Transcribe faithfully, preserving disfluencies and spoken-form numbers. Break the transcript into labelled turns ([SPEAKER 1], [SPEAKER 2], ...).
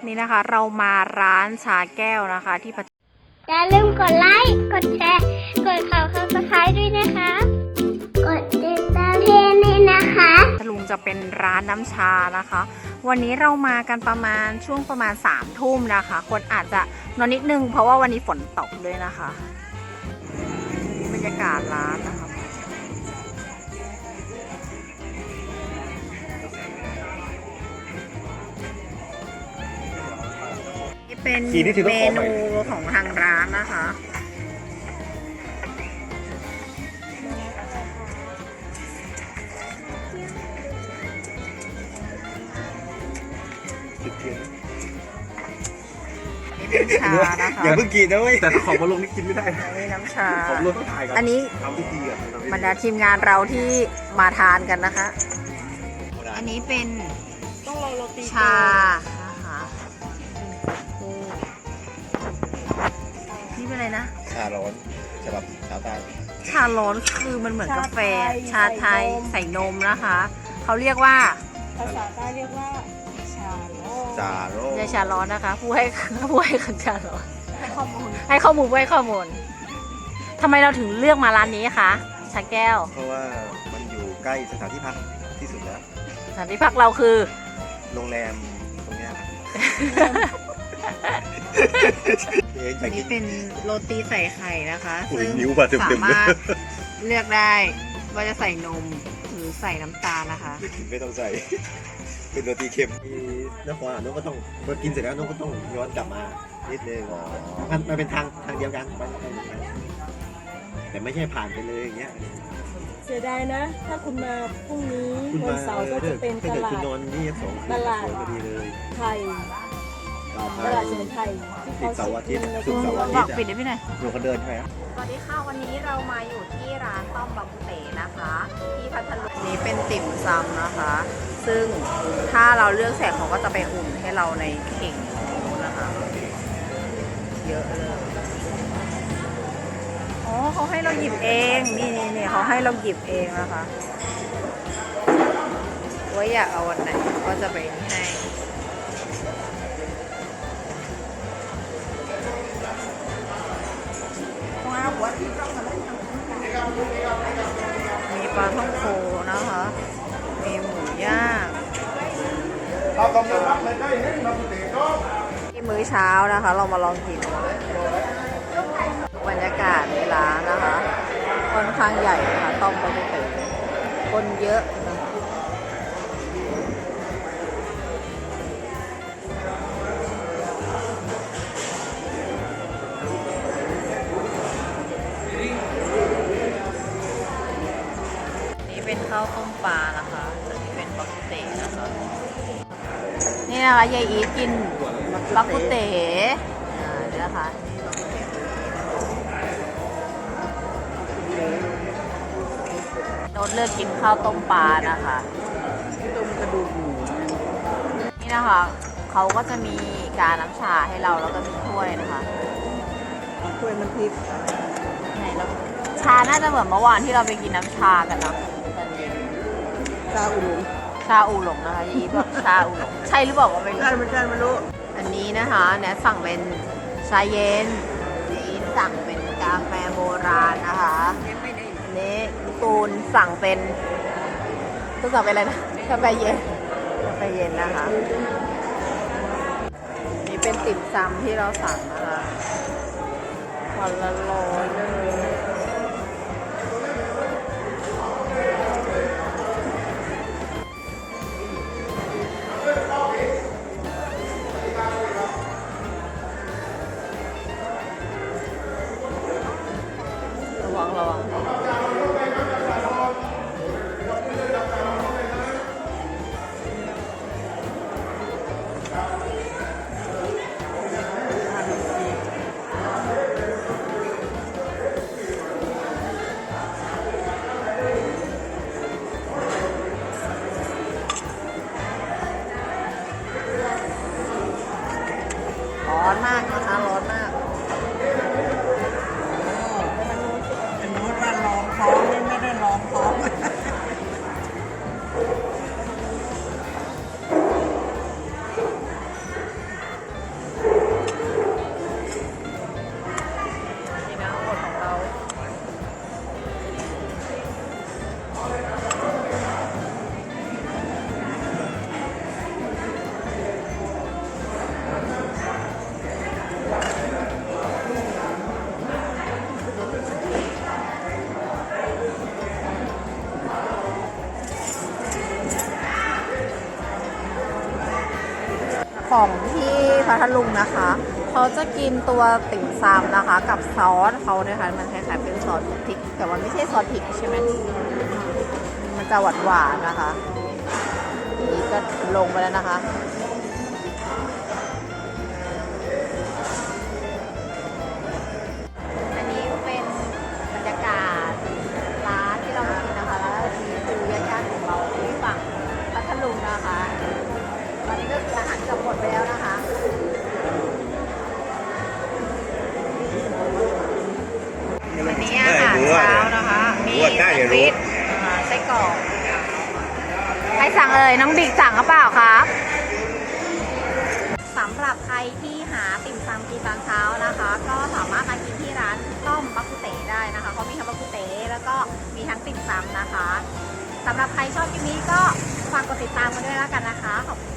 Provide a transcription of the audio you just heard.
[SPEAKER 1] นี่นะคะเรามาร้านชาแก้วนะคะที่
[SPEAKER 2] อย่าลืมกดไลค์กดแชร์กดข่าวข่าวสไครต์ด้วยนะคะกดติดตามเพจนี้นะคะ
[SPEAKER 1] ลุงจะเป็นร้านน้ำชานะคะวันนี้เรามากันประมาณช่วงประมาณสามทุ่มนะคะคนอาจจะนอนนิดนึงเพราะว่าวันนี้ฝนตกด้วยนะคะบรรยากาศร้านนะคะเป็นเมนูของทางร้านนะคะนี่เป็นชานะคะ
[SPEAKER 3] อย่าเพิ่งกินนะเว้ยแต่ของมาลงนี่กินไม่ได้
[SPEAKER 1] นี่น้ำชา
[SPEAKER 3] ของลงต้องถ่ายกัน
[SPEAKER 1] อันนี้
[SPEAKER 3] ทำพิธีอ่ะ
[SPEAKER 1] บรรดาทีมงานเราที่มาทานกันนะคะอันนี้เป็นชานะคะนี่เป็นอะไรนะ
[SPEAKER 3] ชาร้อนสำหรับชาวใต้
[SPEAKER 1] ชาร้อนคือมันเหมือนกาแฟชาไทยใส่นมนะคะเขาเรียกว่า
[SPEAKER 4] ภาษาใต้เรียกว่าชาโร่
[SPEAKER 3] ชาโร่
[SPEAKER 1] ไม่ใช่ชาร้อนนะคะผู้ให้ผู้ให้ขันชาร้อนให้ข้อมูลให้ข้อมูลให้ข้อมูลทำไมเราถึงเลือกมาร้านนี้คะชาแก้ว
[SPEAKER 3] เพราะว่ามันอยู่ใกล้สถานที่พักที่สุดแล้ว
[SPEAKER 1] สถานที่พักเราคือ
[SPEAKER 3] โรงแรมตรงนี้
[SPEAKER 1] อันนี้เป็นโรตีใส่ไข่นะคะ
[SPEAKER 3] ซึ่ง
[SPEAKER 1] สามารถเลือกได้ว่าจะใส่นมหรือใส่น้ำตาลนะคะ
[SPEAKER 3] ไม่ต้องใส่เป็นโรตีเค็มมีน้ำหวานน้องก็ต้องพอกินเสร็จแล้วน้องก็ต้องย้อนกลับมานิดนึงมันมันเป็นทางทางเดียวกันแต่ไม่ใช่ผ่านไปเลยอย่างเงี้ย
[SPEAKER 4] เสียดายนะถ้าคุณมาพรุ่งนี้วันเสาร์ก็จะเป็นตลาดตลาดไทยตลาดสมุนไพร
[SPEAKER 3] ที่เขาเสาร์อาทิตย์ศุกร์เสาร์อาทิตย์
[SPEAKER 1] ปิดได้ไหมเนี่ย
[SPEAKER 3] ดูเขาเดินใช่ไหม
[SPEAKER 1] สวัสดีค่ะวันนี้เรามาอยู่ที่ร้านต้อมบะเต๋นะคะที่พัทลุงนี้เป็นติ่มซำนะคะ ซึ่งถ้าเราเลือกแสกเขาก็จะไปอุ่นให้เราในเข่งนะคะเยอะเลยอ๋อเขาให้เราหยิบเองนี่นี่นี่เขาให้เราหยิบเองนะคะว่าอยากเอาวันไหนก็จะไปให้มีปลาท่องโกนะคะมีหมูย่างที่มื้อเช้านะคะเรามาลองกินบรรยากาศในร้านนะคะค่อนข้างใหญ่ค่ะต้มบะหมี่เต๋อคนเยอะเป็นข้าวต้มปลานะคะอันนี้เป็นบักกุเต๋นะคะนี่นะคะยายอีทกินบักกุเต๋อ่านี่นะคะโน้ตเลือกกินข้าวต้มปลานะคะต้มกระดูกหมูนี่นะคะเขาก็จะมีการน้ำชาให้เราแล้วก็มีถ้วยนะคะ
[SPEAKER 4] ถ้วยมันพริก
[SPEAKER 1] ไหนแล้วชาน่าจะเหมือนเมื่อวานที่เราไปกินน้ำชากันนะ
[SPEAKER 4] ชาอูหลง
[SPEAKER 1] ชาอูหลงนะคะยี่บอกชาอูหลงใช่หรือเปล่าว่าไม่รู้
[SPEAKER 4] ใช่ไม่ใช่ไม่รู้
[SPEAKER 1] อันนี้นะคะเนี่ยสั่งเป็นชาเย็นนี่สั่งเป็นกาแฟโบราณนะคะอันนี้ตูนสั่งเป็นตูนสั่งเป็นอะไรนะกาแฟเย็นกาแฟเย็นนะคะนี่เป็นติ่มซำที่เราสั่งนะคะวันละร้อยเลยระวังระวังร้อนมากนะคะร้อนมาก
[SPEAKER 4] เป็นโน้ตว่าลองท้องไม่ได้ลองท้อง
[SPEAKER 1] ของที่พัทลุงนะคะเขาจะกินตัวติ่มซำนะคะ กับซอสเขาเนี่ยค่ะมันคล้ายๆเป็นซอสพริกแต่ว่าไม่ใช่ซอสพริกใช่ไหมมันจะหวานๆนะคะนี่ก็ลงไปแล้วนะคะอันนี้เป็นบรรยากาศร้านที่เรามากินนะคะแล้วนี่คือญาติๆของเราที่ฝั่งพัทลุงนะคะตอนนี้ก็อาหารเกือบหมดไปแล้วนะคะวันนี้อาหารเช้านะคะมีแซนด์วิชไส้กรอกใครสั่งเอ่ยน้องบิ๊กสั่งหรือเปล่าครับสำหรับใครที่หาติ่มซำกินตอนเช้านะคะ ก็สามารถมากินที่ร้านต้มบักกุเต๋ได้นะคะเขามีทั้งบักกุเต๋แล้วก็มีทั้งติ่มซำนะคะสำหรับใครชอบคลิปนี้ก็ฝากกดติดตามกันด้วยแล้วกันนะคะขอบคุณ